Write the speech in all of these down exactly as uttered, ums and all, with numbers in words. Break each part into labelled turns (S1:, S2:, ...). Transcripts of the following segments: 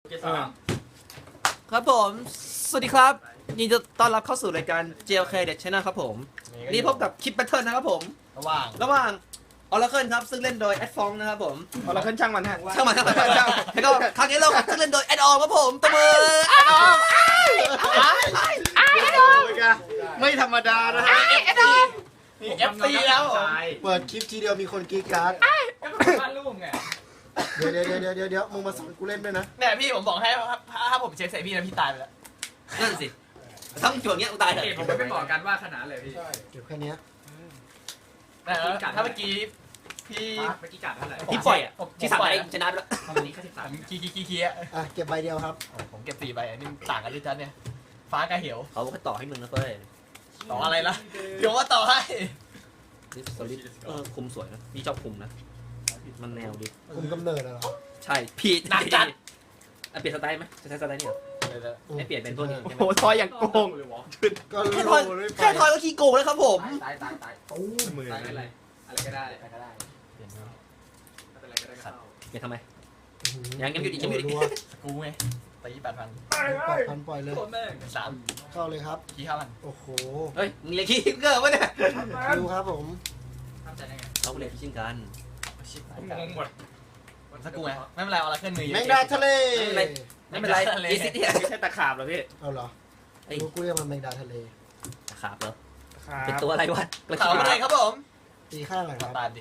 S1: เกสาม
S2: ครับผมสวัสดีครับยินดีต้อนรับเข้าสู่รายการ เจ แอล เค Dead Channel ครับผมนี่พบกับคลิปแบทเทิลนะครับผม
S1: ระหว่าง
S2: ระหว่างออร์เคิลครับซึ่งเล่นโดยแอดฟองนะครับผม
S3: เอาละขึ้นช่างมันฮะ
S2: ช่างมันช่างมันช่างมันแล้วก็ครั้งนี้เราซึ่งเล่นโดยแอดออมครับผมตบมือแอดออม
S3: ไม่ธรรมดานะฮะ
S1: นี่เอฟซีแล้ว
S4: เปิดคลิปทีเดียวมีคนกรีดกราร์ด
S1: บ้านลูกไง
S4: เดี๋ยวเดี๋ยวเดี๋ยวเดี๋ยวเดี๋ยวมึงมาสอนกูเล่นด้วยนะ
S1: เนี่ยพี่ผมบอกให้ถ้าผมเช็คใส่พี่นะพี่ตายไปแล้ว
S2: นั่นสิทั้งจวงเงี้ยกูตายเลย
S5: ผมไม่บอกกันว่าขนาดเลยพี่
S4: เดี๋ยวแค่เนี้ย
S1: ถ้าเมื่อกี้พี่
S5: เมื่อกี้กัดเท่าไหร่
S2: ที่ปล่อยอ่ะที่สามไปชนะไปแล้ว
S5: วันนี้แค่สิบสาม
S1: คีคีคีคีอ่ะ
S4: อ่ะเก็บใบเดียวครับ
S1: ผมเก็บสี่ใบอันนี้ต่างกันด้วยจันเนี่ยฟ้ากับเหว
S2: เขาก็ต่อให้มึงนะเฟ้ย
S1: ต่ออะไรล่ะเดี๋ยวว่าต่อให้
S2: นี่สลิดเออคุมสวยนะพี่ชอบคุมนะมันแนวดี
S4: คุมกำเนิดอะเหรอ
S2: ใช่พี่หนักจัดอ่ะเปลี่ยนสไตล์ไหมจะใช้สไตล์นี้เหรอให้เปลี่ยนเป็นพวกนี้ใช่ไหม
S3: โอ้ทอยอย่างโกง
S4: ก็
S2: แค่
S4: โล
S2: ทอย
S4: เลยไป
S2: แค่ทอยก็ขี้โกงแล้วครับผม
S5: ตายตายตาย
S4: ตู้
S3: มือ
S5: ตายอะไรอะไรก็ได้อะไรก็ได้
S1: เปลี่ยน
S5: ไม่เป็นไรก็ได้เข้า
S2: เปลี่ยนทำไม ยังยังอยู่ดิยังอยู่ดิ
S4: รัว
S1: กูไงตีแปดพัน
S4: ปล่อยพันปล่อยเลย
S5: โคตรแม่ง
S1: สาม
S4: เข้าเลยครับ
S1: ขี้ห้าพัน
S4: โอ้โห
S2: เฮ้ยมึงเรียนคิดเกอร์วะเนี่ย
S4: ดูครับผม
S5: ทำใจได้ไง
S2: เราเรียนคิดกัน
S1: ชิบ
S5: ผมงงหมด
S1: สักกูไงไม่เป็นไรเอาละเคลื่อนมือเยอะ
S4: แมงดาทะเล
S2: ไม่เป็นไรอีซิเนี่ย
S3: ไม่ใช่ตะขาบเหรอพี่
S4: เอาเหรอรู้กูเรียกมันแมงดาทะเล
S2: ขาบเหรอ
S3: ครั
S2: เป็น
S3: บ
S2: ตัวอะไรวะ
S1: ข่าวอะไรครับผม
S4: ตีข้างหน่อยครับ
S1: ตามดิ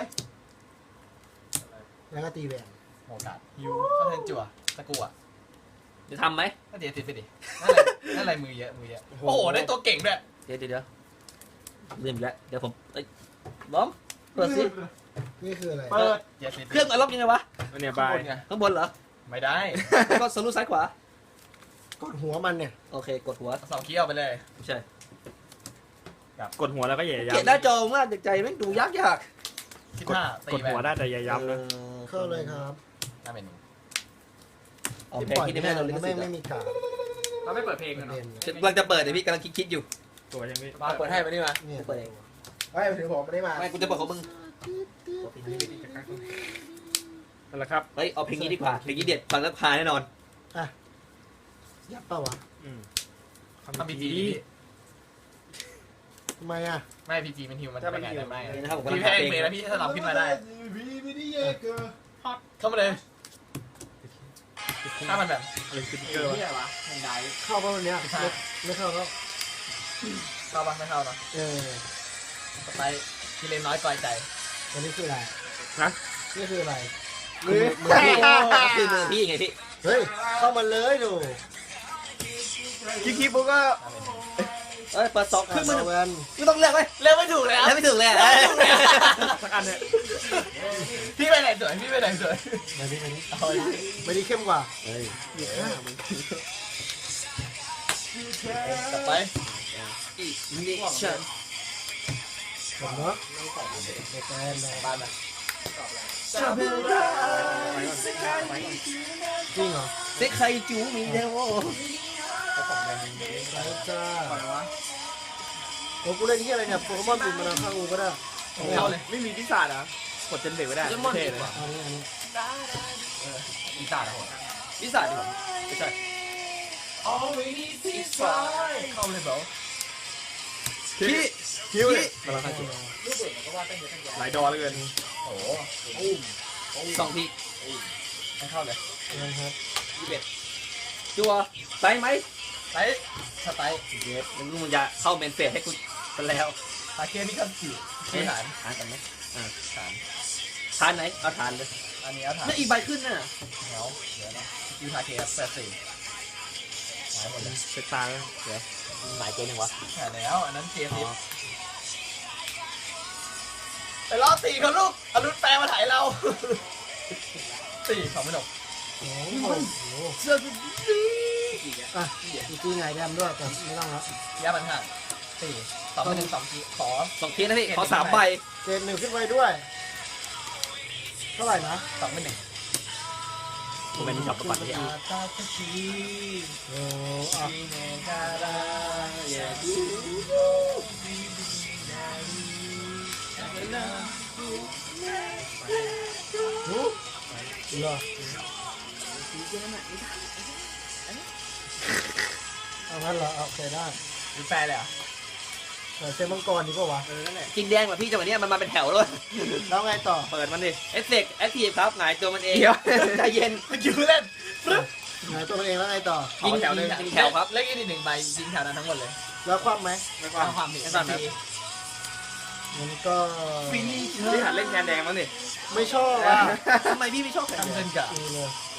S4: แล้วก็ตีแหวน
S1: โอกาสฮิวก็เทินจั่วสักกูอ่ะ
S2: จะทำไหม
S1: ก็เดี๋ยวติดไปดินั่นอะไรมือเยอะมือเยอะโอ้โหได้ตัวเก่งด้วย
S2: เดี๋ยวเดี๋ยวเดี๋ยวลืมอีกแล้วเดี๋ยวผมเอ้ยล้อมเปิดสิ
S4: นี่คืออะไร
S1: เปิดเดี๋ยวติด
S2: เครื่องอารมณ์ยังไงวะ
S3: อันเนี้ย
S1: ข้า
S3: บาง ย
S1: บนไง
S2: ข้างบนเหรอ
S1: ไม่ได้
S2: แล้วก็สลูซ้ายขวาก
S4: ดหัวมันเนี่ย
S2: โอเคกดหัว
S1: สองคีย์เอาไปเลย
S2: ไม่ใช่
S3: กดหัวแล้วก็อย่า
S2: เกลียดห
S3: ย้ำ
S2: น้าจอมากจากใจแม่งดูยากยาก
S1: คิด
S3: กด
S1: ห้าก ตี
S3: ด
S1: ไป
S3: หัวได้แต่อย่าย้ำนะ
S4: เข้าเลยครับ
S1: น่าเป็นหนึ่ง
S2: เอา
S4: ที่
S2: เพลง
S4: ปล่อย
S2: คิด
S4: ไม่
S2: ได้
S4: ได้
S2: ไหม
S4: เล
S2: เรา
S4: ย
S2: เล่น
S4: แม่
S2: สิ
S4: งไม่มีการ
S5: เราไม่เปิดเพลงกันเนาะ
S4: เด่น
S2: กำลังจะเปิดเดี๋ยวพี่กำลังคิดอยู่
S3: ตัวยังไม่
S1: มาเปิดให้ไปนี่มา
S4: เนี่ย
S2: เปิดเอง
S4: เฮ้ยถึงผมไม่ได้มา
S2: ไม่กูจะเปิดของมึง
S3: นั่นแหละครับ
S2: เฮ้ยเอาเพลงนี้ดีกว่าเพลงนี้เด็ดฟังแล้วพาแน่นอน
S4: ยับเปล่าวะ
S3: อืม
S1: ทำพีจี
S4: ทำไมอ่ะ
S1: ไม่พีจีมันฮิวมันไปไหนได้ไหม
S2: นี่นะครับผมกำลั
S1: พี่
S2: ง
S1: แพ้
S2: หา
S1: เอ
S2: เพลง
S1: งเลยแล้วพี่สลับขึ้นมาได้ เข้ามาเลย ถ้ามันแบบ
S3: อะไรสติ๊กเกอร์วะ
S5: ที่อะไรวะแห่งใด
S4: เข้าป่ะวันเนี้ยไม่ไม่เข้าแล้ว
S1: เข้าปะไม่เข้าเนาะ
S4: เออ
S1: สไปที่เล่นน้อยกอยใจ
S4: วันนี้คืออะไร
S3: นะ
S4: นี่คืออะไร
S2: มือมือพี่คือมือพี่ไงพี่
S4: เฮ้ย เข้ามาเลยดู
S3: คิกคิกปุ๊กก็
S2: เอ้ยเปิดสองครึ่งมือ
S4: แวน
S2: ไม่ต้องเลือกไหม
S1: เล่นไม่ถูกเลย
S2: แล้วไม่ถึงเลยอะ
S3: สักอันเนี่ย
S1: พี่ไปไหนสวยพี่ไปไหนสวย
S4: มาดิมาดิ
S1: เอาเลย
S4: ไม่ได้เข้มกว่า
S2: เฮ้ย
S1: กลับไป
S2: อีนี่เชิญ
S4: ผมเนาะในแกนเลย
S1: บ้านมา
S4: จริงเหรอ
S2: เซ็กใครจูมีเดว
S4: ไปจ้าโอ้กูเล่นที่อะไรเนี่ยโปเกมอนบินมาข้างกูก็ได้
S1: เข้าเลย
S3: ไม่มีพิซซ่านะกดจนเด็กไม่ได้เท่เลย
S4: อันนี้อันนี้
S1: อีสานอะ
S2: วิสาดีกว่าไม่ใช่
S1: เข้าเลยเบล
S3: พี่คิวเลย
S2: กำลังทำคิด
S3: หลายดอเลยเกิน
S1: โอ้โห
S2: สองที
S1: ไม่เข้าเลย
S4: นะครับ
S2: จัวไซไหม
S1: ไปสไตล์
S2: เย็บแล้วมึงจะเข้าเมนเฟสให้กูกันแล้ว
S1: ตาเคียนี่ก็สี่ที่ฐาน
S2: ทานกันไหม
S1: ฐาน
S2: ทานไหนเอาทานเลย
S1: อันนี้เอาฐาน
S2: แล้วอีกใบขึ้นน่ะ
S1: เดี๋ยวเดี๋ยวนะยูทาเคสแปดสี่หายหมดเลย
S3: เช็คตาแล้ว
S2: หมายเจนยังวะ
S1: หายแล้วอันนั้นเคสสิบไปรอบสี่เขาลูกอรุณแปลมาถ่ายเราสี่สองไม่หนก
S4: โอ้โห
S2: เสื้อ
S4: อ่ะอีกทีไงแดมด้วยแต่ไม่ต้องแล้ว
S1: ยาบันหันสี่สองเป็นหนึ่งสองกีขอ
S2: สองทีนะพี่ขอสามใบ
S4: เกณฑ์หนึ่งขึ้นไปด้วย เท่าไหร่นะ
S1: สองเป็นหนึ่ง
S2: ผมเป็นจับประปัดที่
S1: ตาตะคี
S4: โอ้อ่ะ
S1: มีเนกาลาเยดู
S4: หูเหรอเอางั้นเหรอเอาโอเคได้
S3: หรือแฟร์เลยเหรอ
S4: เดี๋ยวเซมังกรดีป่าวะ
S3: เออนั่นแหละ
S2: กินแดงแบบพี่จังหวะเนี้ยมันมาเป็นแถวเลย
S4: แล้วไงต่อ
S3: เปิดมันดิ
S2: เอฟเฟกต์แอคทีฟครับหงายตัวมันเอง
S3: เดี๋ยว
S2: ใจเย็น
S1: คิวเล่น
S4: ไหนตัวมันเองแล้วไงต่อ
S2: ยิง
S3: แถวหนึ่ง
S2: ยิงแถวครับ
S1: เล่นอีกหนึ่งใบยิงแถวนั้นทั้งหมดเลย
S4: แล้วคว่ำไหม
S3: ไม่กว้าง
S1: เอาความผิด
S2: ไม่ความผิด
S4: มันก็
S3: พี่หัดเล่นแคนแดงมั้งดิ
S4: ไม่ชอบอ่ะ
S2: ทำไมพี่ไม่ชอบแข่ง
S1: ทำ
S2: เงิ
S1: เงิ
S2: น
S1: นกับ
S4: ดูเลย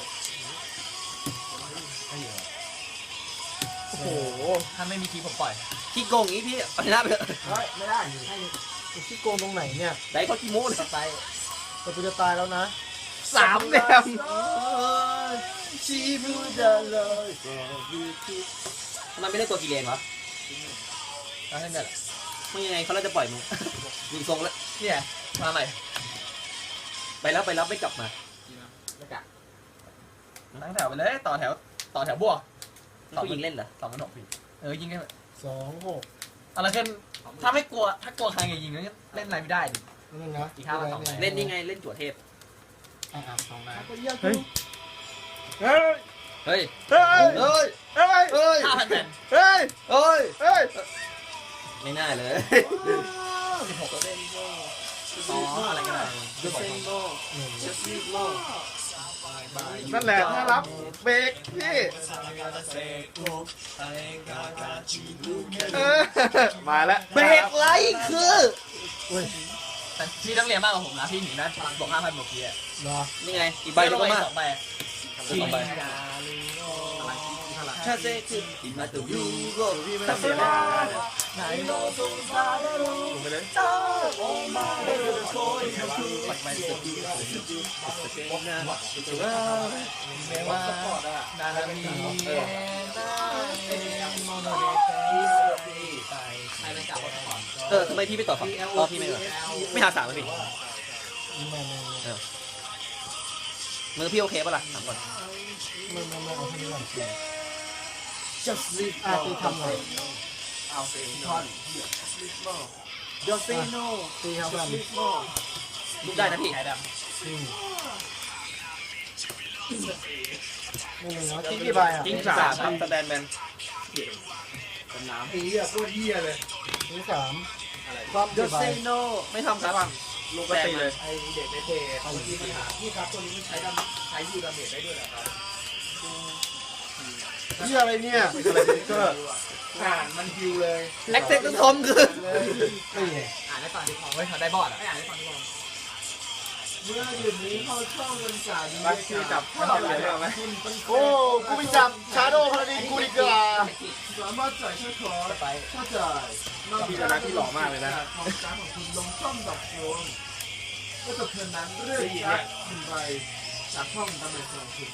S3: โอ้โห
S1: ถ้าไม่มีคีย์ผมปล่อย
S2: ขี้โกงอย่างนี้พี่เอาชนะไปเถอะ
S4: เฮ้ยไม่ได้ให้ไอ้ที่โกงตรงไหนเนี่ย
S2: ได้เขาขี้โม้เลย
S1: ไป
S4: แต่กูจะตายแล้วนะ
S3: สามแดม
S1: ชีบูดาเลย
S2: ทำไมไม่ได้ตัวกีเลนวะ
S1: เอาให้เงิน
S2: ไม่ยังไงเขาเราจะปล่อยมึง ดูทรงแล้ว
S1: เนี่ยมาใหม่
S2: ไปแล้วไปแล้วไม่กลับมา
S1: แล้วกะตั้งแถวไปเลยต่อแถวต่อแถวบวก
S2: ผู้หญิงเล่นเหรอ
S1: สองพันหกพี่เออยิงได้
S4: สองหก
S1: อะไรขึ้นถ้าไม่กลัวถ้ากลัวใครอย่ายิงเล่นอะไรไม่ได้ดิ
S4: นั่นนะ
S1: อีกห้าวันสอง
S2: เล่นยังไงเล่นจั่วเทพ
S4: อ่ะๆสองนะ
S3: เฮ้ย เฮ้ย
S2: เฮ้ย
S3: เฮ้ย
S2: เฮ้ย
S3: เฮ้ย
S2: เฮ้ย
S1: ห้าพันแผ่น
S3: เฮ้ย
S2: เฮ้ย
S3: เฮ้ย
S2: ไม่น่าเลย
S1: สิบหกก็เล่นอ๋ออะไรก็ได้
S2: ดูเซนโล
S4: หนึ่ง
S2: จัสติโล
S3: นั่นแหละถ้ารับเบรกพี่เออมาแล้ว
S2: เบรกไลท์คือ
S4: อุ้ย
S1: แต่พี่ต้องเรียนมากกว่าผมนะพี่หนีนะบวกห้าพันบวกพี่อะ
S4: เหรอ
S2: นี่ไงอีกใบหนึงก็มา
S1: สองใบ
S2: สองใบถ้าเซคืออิมาตัวยูโรพี่ไม่ต้องเสียแล้ว
S1: ไหนโลสงสาร
S3: ลงไปเลย
S2: ปัดไปสกีสกีสกีนะตัว
S1: เมว่านานามีเอโมโนเดเตใครเป็นกับคนก่อน
S2: เออทำไมพี่ไม่ต่อฝั่งอ๋อพี่ไม่เหรอไม่หาสามเลยพี่
S4: นี่มามามา
S2: มือพี่โอเคปะล่ะถามก่อน
S4: มามามาเอาคนนี้ก่อนสิ
S2: just leave
S4: อ่ะตีทำหน่อย
S1: เอาเซนทอน
S2: just say no
S4: ตีครับกัน
S2: ลุกได้นะพี่
S1: ไข่ด
S4: อืมนี่เนาะคิดกี่ใบอ่ะ
S2: กิ้งสามครับสแตนแมน
S4: ตีอ่ะโคตรเหี้ยเลยตีสามความกี่
S2: just
S4: ใบ
S2: say no ไม่ทำครับ
S3: ลงปกติเลย
S4: ไอเด็กในเพจเอาที่ปัญหาพี่ครับตัวนี้มันใช้ดำใช้ยูดาเมจได้ด้วยเหรอครับเหี้ยอะไรเนี่ย
S3: อะไรสติ๊กเกอร์
S4: อ่านมันฮิวเลย
S2: แอคเซนต์ทอมคือ
S4: นี่ไง
S1: ำอ่านได้ฟังดีพอเฮ้ยเขาได้บอดอ่ะไม่อ่านได้ฟังดีพอ
S4: เมื่อหยุดนี้เขาช่องกันจ่าย
S3: บัคกี้จับไม่ต้องเลยได้ไหม
S4: โอ้กูไปจับชาโดว์พาราดินกูดีกว่าสามารถจ่ายช่วยขอ
S1: ไป
S4: ถ้าจ่าย
S3: พี่จะรักที่หล่อมากเลยนะ
S4: ของการของคุณลงช่องดับโฟนก็จะเพื่อนนั้นเรื่อยชักหนึ่งใบจากช่องตำแหน่งของคุณ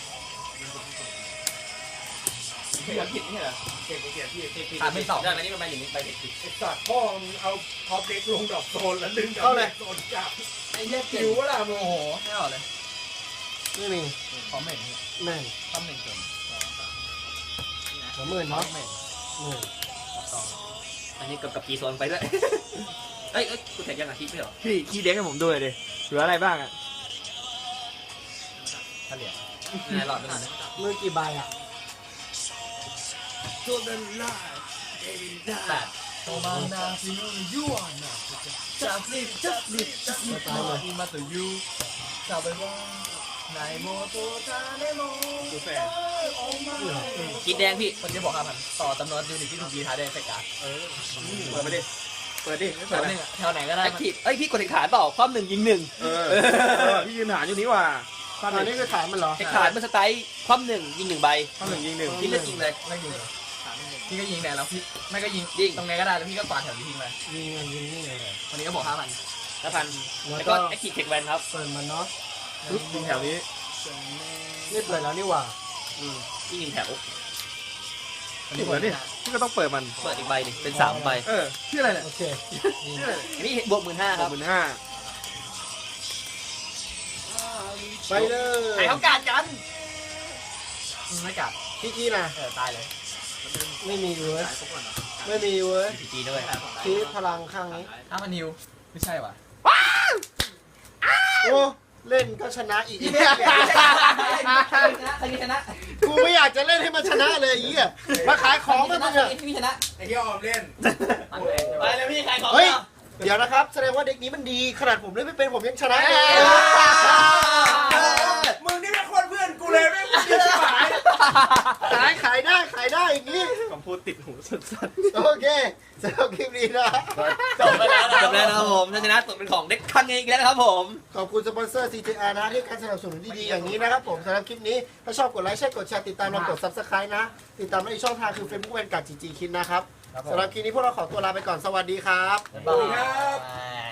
S1: เขียนผิดนี่เหรอ
S4: เก่งเก่งพี่
S2: ถามไม่ตอบได้ไหมนี่มันมาอย่างนี้ไปเด็ก
S4: ไอ้สัตว์พ่อมึงเอาท็อปเด็กลงดับโซนแล้วดึงเข้าเลยโซนจับไอ้เหี้ยคิวว่าล่ะมึง
S1: โอ้โหไม่ออกเลย
S4: ไม่มี
S1: พร้อมเหม็น
S4: แม่ง
S1: พร้อมเหม็นเกิน
S4: หัวหมื่น
S1: พร้อ
S4: เนาะ
S1: มเหม็น
S4: หมื่น
S2: อันนี้กับกับกีโซนไปด้วยเอ้ยเอ้ยกูแท็กยังอาทิตย์ไม่เหรอ
S3: พี่ขี้เด็กให้ผมดูเลยดิเหลืออะไรบ้างอ่ะ
S1: เฉลี่ย
S2: นายหลอดไปหน่อยนะ
S4: มือกี่ใบอ่ะ
S1: แปดโตมานาซิโนยูนนะจับลิบจับลิบจับลิบมามาตัวยูจับไปว่าไหนโมโตทาเนโม
S3: ดูแฟน
S2: กินแดงพี่
S1: คนที่บอกครับมันต่อจำนวนยูนิตที่ถูกยีท้ายได้เฟกา
S3: เปิดไปดิ เปิดดิไม่
S1: แถ
S3: เปิด
S1: วห
S3: นะ
S1: นึ่งแถวไหนก็ได้
S2: แอคทีฟเอ้ยพี่กดเทคฐานเปล่าความหนึ่งยิงหนึ่ง
S3: เออเออพี่ยืนฐานอยู่นี้ว่ะข้าม
S4: อัน
S3: ห
S4: นี้
S3: นึ่ง
S4: คือฐานมันเหรอ
S2: เทคฐานมันสไตล์ความหนึ่งยิงหนึ่งใบ
S3: ข้ามหนึ่งยิงหนึ่ง
S2: พี่เลือกยิงเลย
S1: ไม่ยิงพี่ก็ยิงแดงแล้วพี่ไม่ก็ยิง
S2: ยิง
S1: ตรงไหนก็ได้แล้วพี่ก็กวาดแถวนี้ทิ้งไป
S4: ยิงเงินยิงนี่เลย
S1: วันนี้ก็บอกห้าพัน
S2: แล้วพัน
S4: แล้
S2: แล้ว ว
S4: ก็
S2: ก็แอคทีฟเทคแวนครับ
S4: เปิดมันเนาะ
S3: ปึ๊บยิงแถวนี้
S4: นี่เปิดแล้วนี่หว่า
S2: อืมยิงหนึ่งแถว
S3: ถูกแล้วนี่พี่ก็ต้องเปิดมัน
S2: เปิดอีกใบหนึงเป็นสามใบ
S3: เออชื่ออะไรเนี่ย
S4: โอเค
S3: ชื่ออะไร
S2: อันนี้บวกหมื่นห้า
S3: ส
S2: ค
S3: อ
S2: รั
S3: ง
S2: บ
S3: หมื่นห้า
S4: ไปเลย
S1: ใครเขากาดกันไม่กาด
S4: พี่กี้นะ
S1: เออตายเลย
S4: ไม่มีเว้ยไม่มีเว้ย
S2: พีจีด้วย
S4: คีพลังข้างนี้
S1: อ้าวมันนิวไม่ใช่ว่ะ
S4: โอ้
S6: เล่นก็ชนะอีก
S2: ใครชนะใครชนะ
S6: กูไม่อยากจะเล่นให้มันชนะเลยไอ้เหี้ยมาขายของมามึงอะ
S2: พี่ชนะ
S4: ไอ้ที่ออมเล่น
S1: ไปเลยพี่ขายของ
S6: เฮ้ยเดี๋ยวนะครับแสดงว่าเด็กนี้มันดีขนาดผมเล่นไม่เป็นผมยังชนะเลย
S4: มึงนี่เป็นคนเพื่อนกูเลยไม่มึงที่หาย
S6: ขายขายได้ขายได้อย่างนี้
S3: คำพูดติดหูสุด
S6: โอเคสำหรับคลิปนี้นะ
S1: จบไปแล้วนะ
S2: จบแล้วนะครับผมถ้าชนะตกเป็นของเด็กคังเองอีกแล้วนะครับผม
S6: ขอบคุณสปอนเซอร์ ซี ที อาร์ นะที่การสนับสนุนดีๆอย่างนี้นะครับผมสำหรับคลิปนี้ถ้าชอบกดไลค์แชร์กดแชร์ติดตามเรากด ซับสไครบ์ นะ ติดตามในอีกช่องทางคือ เฟซบุ๊ก แวนการ์ด จี จี คิดนะครับสำหรับคลิปนี้พวกเราขอตัวลาไปก่อนสวัสดีครับ
S1: บ๊ายบาย